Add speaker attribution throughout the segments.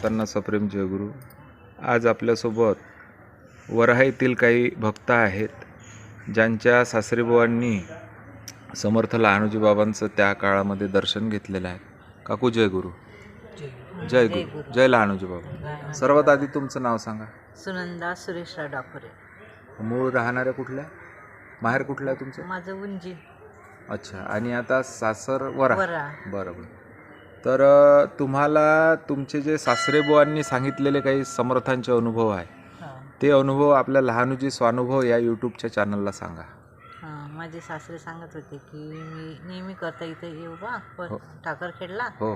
Speaker 1: भक्तांना सप्रेम जयगुरु. आज आपल्यासोबत वराहा येथील काही भक्त आहेत ज्यांच्या सासरेबुवांनी समर्थ लहानोजी बाबांचं त्या काळामध्ये दर्शन घेतलेलं आहे. काकू जय गुरु. जय गुरु. जय लहानोजी बाबा. सर्वात आधी तुमचं नाव सांगा.
Speaker 2: सुनंदा सुरेशराव डाकोरे.
Speaker 1: मूळ राहणाऱ्या कुठल्या, माहेर कुठलं आहे तुमचं?
Speaker 2: माझं उंजी.
Speaker 1: अच्छा. आणि आता सासर वराहा. बरोबर. तर तुम्हाला तुमचे जे सासरेबुवांनी सांगितलेले काही समर्थांचे अनुभव आहे ते अनुभव आपल्या लहानोजी स्वानुभव या यूट्यूबच्या चॅनलला सांगा.
Speaker 2: माझे सासरे सांगत होते की मी नेहमी करता इथे येऊ बा ठाकरखेडला.
Speaker 1: हो.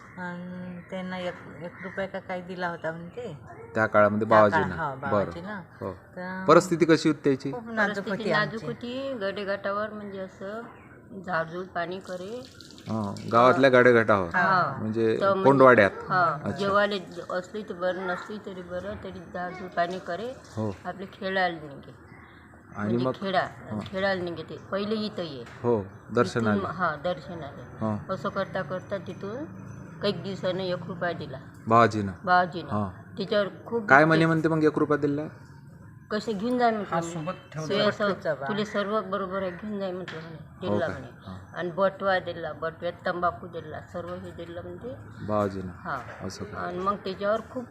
Speaker 2: त्यांना एक रुपया का काही दिला होता म्हणते
Speaker 1: त्या काळामध्ये बाबाजींना. बरं. हो. परिस्थिती कशी होती त्याची?
Speaker 2: नाजूक
Speaker 3: होती. गडेघाटावर म्हणजे असं झाडझूड पाणी करे.
Speaker 1: गावातल्या गाडेघाटावर म्हणजे कोंडवाड्यात.
Speaker 3: जेवायला असली तर बरं, नसली तरी बरं, तरी झाडझूड पाणी करे. आपले खेळायला निघे
Speaker 1: आणि मग
Speaker 3: खेळायला निघे. ते पहिले इथं ये
Speaker 1: दर्शनाला.
Speaker 3: दर्शनाला असं करता करता तिथून काही दिवसानं 1 रुपया दिला बाबाजीनं. त्याच्यावर खूप
Speaker 1: काय म्हणते मग 1 रुपया दिला
Speaker 3: कसे घेऊन जाय म्हटलं, तुले सर्व बरोबर आहे, घेऊन जाय म्हटलं दिला म्हणे. आणि बटवा दिला, बटव्यात तंबाखू दिला, सर्व हे दिलं म्हणजे बाबाजीनं. आणि मग त्याच्यावर खूप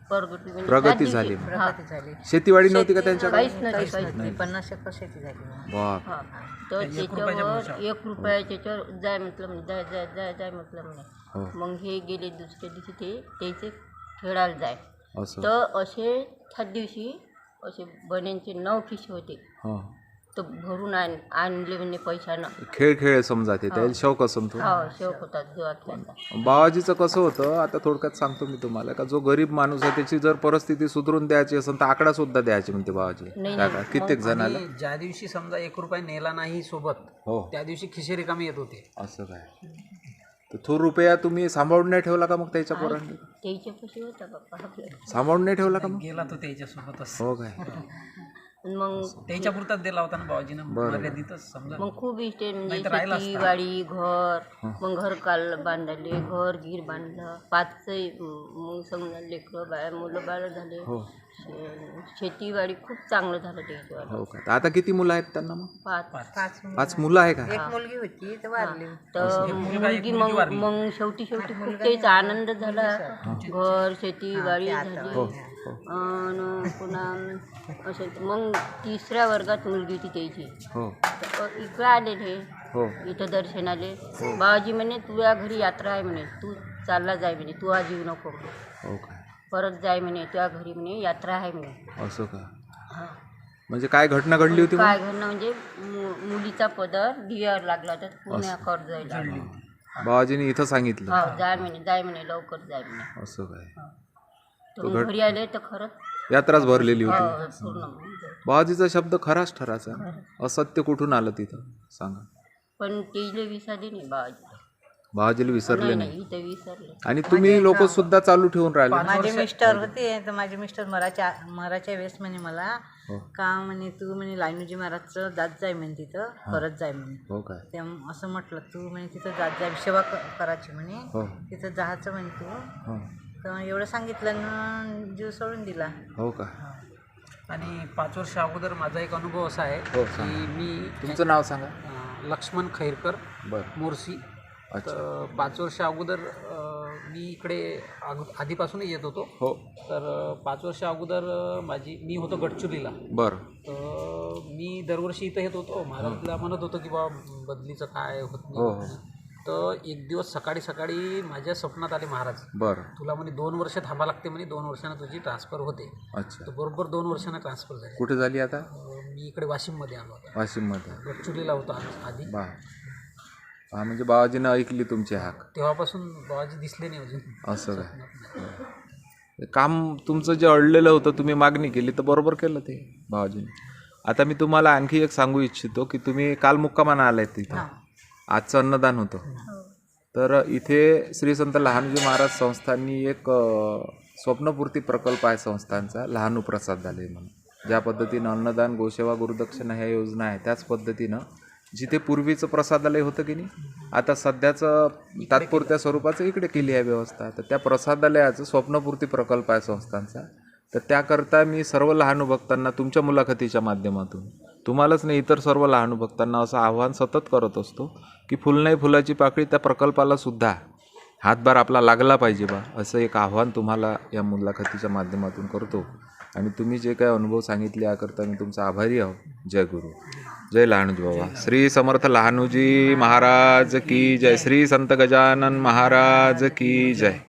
Speaker 1: प्रगती झाली. शेतीवाडी नव्हती का त्यांच्या?
Speaker 3: काहीच नाही.
Speaker 2: 50 एकर शेती झाली.
Speaker 3: तर त्याच्यावर 1 रुपया त्याच्यावर जाय म्हटलं म्हणे, जाय जाय जाय जाय म्हटलं म्हणे. मग हे गेले दुसऱ्या दिवशी ते त्याचे खेळायला जाय. तर असे त्या दिवशी असे बन्यांचे 9 खिसे होते. तर भरून आणले म्हणजे पैशानं.
Speaker 1: खेळ समजा ते त्याला शौक असं.
Speaker 3: शौक होता जेव्हा खेळता.
Speaker 1: बाबाजीचं कसं होतं आता थोडक्यात सांगतो मी तुम्हाला, का जो गरीब माणूस आहे त्याची जर परिस्थिती सुधारून द्यायची असेल तर आकडा सुद्धा द्यायची म्हणते बाबाजी. कित्येक जणाला
Speaker 4: ज्या दिवशी समजा 1 रुपया नेला नाही सोबत, त्या दिवशी खिसे रिकामी येत होते.
Speaker 1: असं काय? तर तो रुपया तुम्ही सांभाळून नाही ठेवला का मग त्याच्या पोरांनी?
Speaker 3: त्याच्यापाशी होता बाप्पा
Speaker 1: सांभाळून नाही ठेवला का मग?
Speaker 4: गेला तो त्याच्यासोबतच.
Speaker 1: हो काय?
Speaker 3: मग
Speaker 4: त्याच्या पुरताच दिला होता ना बाबाजीनं, मर्यादितच समजा.
Speaker 3: मग खूप इष्टे म्हणजे शेती वाडी घर. मग घर काल बांधले, घर गीर बांधलं. 5 मग समजा लेकरं बाळ मुलं बाळ झाले. शेतीवाडी खूप चांगलं झालं त्याच्यावर.
Speaker 1: हो का? आता किती मुलं आहेत त्यांना मग? 5 मुलं आहे का?
Speaker 2: एक मुलगी होती तर वारली.
Speaker 3: तर मुलगी मग शेवटी खूप त्याचा आनंद झाला. घर शेतीवाडी झाली. आणि पुन्हा असं मग 3ऱ्या वर्गात मुलगी होती त्याची. इकडे आलेले इथं दर्शनाले. बाबाजी म्हणे तुझ्या घरी यात्रा आहे म्हणे, तू चालला जाय म्हणे, तू आज येऊ नको म्हणे, परत जाय म्हणे, तुझ्या घरी म्हणे यात्रा आहे म्हणे.
Speaker 1: असं का? म्हणजे काय घटना घडली होती?
Speaker 3: काय घटना म्हणजे मुलीचा पदर दिव्यावर लागला तर पुण्याकर जायला.
Speaker 1: बाबाजीने इथं सांगितलं
Speaker 3: जाय म्हणे लवकर जाय म्हणे.
Speaker 1: असं काय?
Speaker 3: तर घरी आले तर खरंच
Speaker 1: यात्राच भरलेली होती.
Speaker 3: पूर्ण.
Speaker 1: बाबाजीचा शब्द खराच ठराचा. असत्य कुठून आलं तिथं सांगा?
Speaker 3: पण तेले विसरले नाही
Speaker 1: बाबाजीला विसरले नाही.
Speaker 3: इथे विसरले.
Speaker 1: आणि तुम्ही लोक सुद्धा चालू ठेवून राहिले.
Speaker 2: माझे मिस्टर होते तर माझे मिस्टर मराच्या वेळेस म्हणे मला का म्हणे तू म्हणे लहानोजी महाराजचं जात जाय म्हणे, तिथं करत जाय म्हणे.
Speaker 1: हो काय?
Speaker 2: ते असं म्हटलं तू म्हणे तिथं जात जाय, सेवा करायची म्हणे, तिथं जायचं म्हणे तू. तर एवढं सांगितलं ना जीव सोडून दिला.
Speaker 1: हो का?
Speaker 4: आणि 5 वर्ष अगोदर माझा एक अनुभव असा आहे की मी.
Speaker 1: तुमचं नाव सांगा.
Speaker 4: लक्ष्मण खैरकर, मोर्शी. तर 5 वर्ष अगोदर मी इकडे आधीपासूनच येत होतो. तर 5 वर्ष अगोदर मी होतो गडचिरोलीला. तर मी दरवर्षी इथं येत होतो. महाराजला म्हणत होतो की बाबा बदलीचं काय होत नाही. तर एक दिवस सकाळी माझ्या स्वप्नात आले महाराज. तुला म्हणे 2 वर्ष थांबा लागते म्हणे, 2 वर्षांना तुझी ट्रान्सफर होते. तर बरोबर 2 वर्षांना ट्रान्सफर झाली.
Speaker 1: कुठे झाली आता?
Speaker 4: मी इकडे वाशिममध्ये आलो होतो.
Speaker 1: वाशिममध्ये?
Speaker 4: गडचिरोलीला होतो आधी.
Speaker 1: म्हणजे बाबाजीनं ऐकली तुमची हाक.
Speaker 4: तेव्हापासून बाबाजी दिसले नाही अजून.
Speaker 1: असं काय? काम तुमचं जे अडलेलं होतं तुम्ही मागणी केली तर बरोबर केलं ते बाबाजीने. आता मी तुम्हाला आणखी एक सांगू इच्छितो की तुम्ही काल मुक्कामानं आलाय तिथं. आजचं अन्नदान होतं. तर इथे श्री संत लहानोजी महाराज संस्थांनी एक स्वप्नपूर्ती प्रकल्प आहे संस्थांचा, लहानू प्रसाद झाले म्हणून. ज्या पद्धतीनं अन्नदान, गोसेवा, गुरुदक्षिणा ह्या योजना आहे त्याच पद्धतीनं जिथे पूर्वीचं प्रसादालय होतं की नाही, आता सध्याचं तात्पुरत्या स्वरूपाचं इकडे केली आहे व्यवस्था. तर त्या प्रसादालयाचं स्वप्नपूर्ती प्रकल्प आहे संस्थांचा. तर त्याकरता मी सर्व लहानू भक्तांना तुमच्या मुलाखतीच्या माध्यमातून, तुम्हालाच नाही इतर सर्व लहानू भक्तांना असं आव्हान सतत करत असतो की फुल नाही फुलाची पाकळी त्या प्रकल्पाला सुद्धा हातभार आपला लागला पाहिजे बा, असं एक आव्हान तुम्हाला या मुलाखतीच्या माध्यमातून करतो. आणि तुम्ही जे काही अनुभव सांगितले याकरता मी तुमचा आभारी आहो. जय गुरु, जय लहानूजी बाबा. श्री समर्थ लहानूजी महाराज की जय. श्री संत गजानन महाराज की जय.